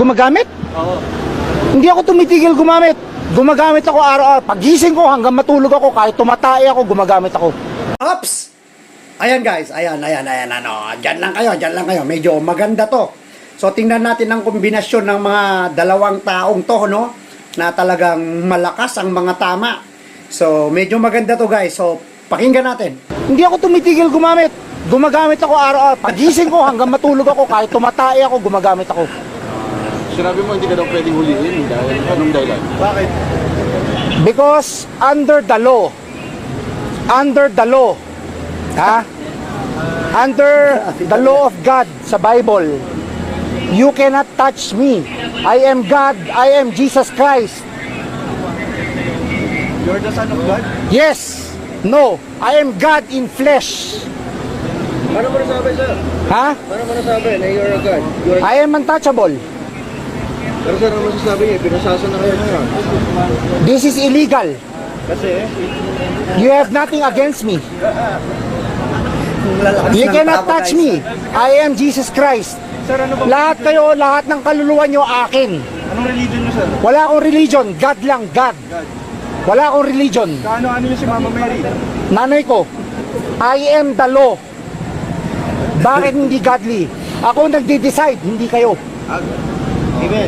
Gumagamit? Oo. Hindi ako tumitigil gumamit. Gumagamit ako araw-araw. Pagising ko hanggang matulog ako, kahit tumatay ako, gumagamit ako. Ops! Ayan guys, ayan, ano, dyan lang kayo, medyo maganda to. So tingnan natin ang kombinasyon ng mga dalawang taong to, no? Na talagang malakas ang mga tama. So medyo maganda to guys, so pakinggan natin. Hindi ako tumitigil gumamit. Gumagamit ako araw-araw. Pagising ko hanggang matulog ako, kahit tumatay ako, gumagamit ako. Sinabi mo hindi ka daw pwedeng huliin dahil anong dahilan? Bakit? Because under the law, ha? Under the law of God sa Bible, you cannot touch me. I am God, I am Jesus Christ. You're the son of God? Yes, no, I am God in flesh. Paano mo nasabi, sir? Ha? Paano mo nasabi na you're a God? I am untouchable. Pero sir, ano masasabi niya? Pinasasa na kayo ngayon. This is illegal. Kasi, You have nothing against me. You cannot touch me. I am Jesus Christ. sir, ano ba? Lahat kayo, lahat ng kaluluwa nyo akin. Anong religion niyo, sir? Wala akong religion. God lang, God. Wala akong religion. Kaano-ano niyo si Mama Mary? Nanay ko, I am the law. Bakit hindi godly? Ako nagde-decide, hindi kayo. Amen.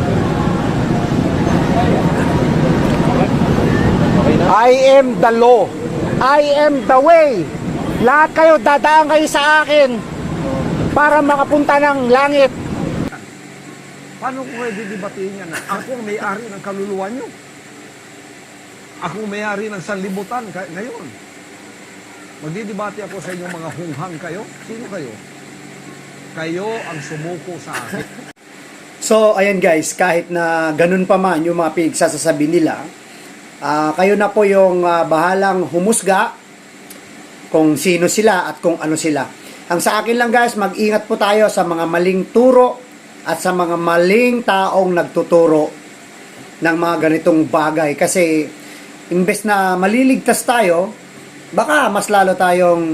I am the law. I am the way. Lahat kayo, dadaan kayo sa akin para makapunta ng langit. Paano ko pwede debatiin yan? Ako ang may-ari ng kaluluwa nyo. Ako ang may-ari ng sanlibutan ngayon. Magdidebate ako sa inyong mga hunghang kayo. Sino kayo? Kayo ang sumuko sa akin. So ayan guys, kahit na ganun pa man yung mga pinagsasasabi nila, kayo na po yung bahalang humusga kung sino sila at kung ano sila. Ang sa akin lang guys, mag-ingat po tayo sa mga maling turo at sa mga maling taong nagtuturo ng mga ganitong bagay. Kasi imbes na maliligtas tayo, baka mas lalo tayong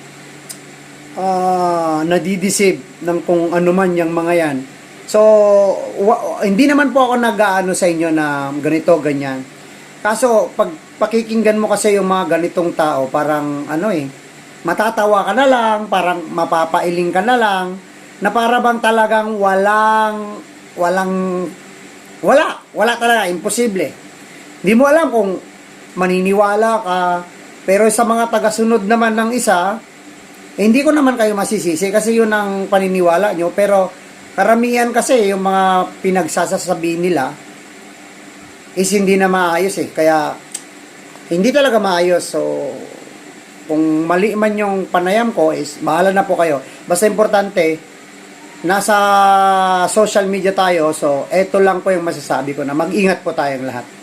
nadidisib ng kung ano man yung mga yan. So, hindi naman po ako nag-aano sa inyo na ganito, ganyan. Kaso, pag pakikinggan mo kasi yung mga ganitong tao, parang matatawa ka na lang, parang mapapailing ka na lang, na para bang talagang wala talaga, imposible. Hindi mo alam kung maniniwala ka, pero sa mga tagasunod naman ng isa, hindi ko naman kayo masisisi kasi yun ang paniniwala nyo, pero karamihan kasi yung mga pinagsasasabi nila is hindi na maayos kaya hindi talaga maayos. So kung mali man yung panayam ko is bahala na po kayo, basta importante nasa social media tayo. So eto lang po yung masasabi ko, na mag-ingat po tayong lahat.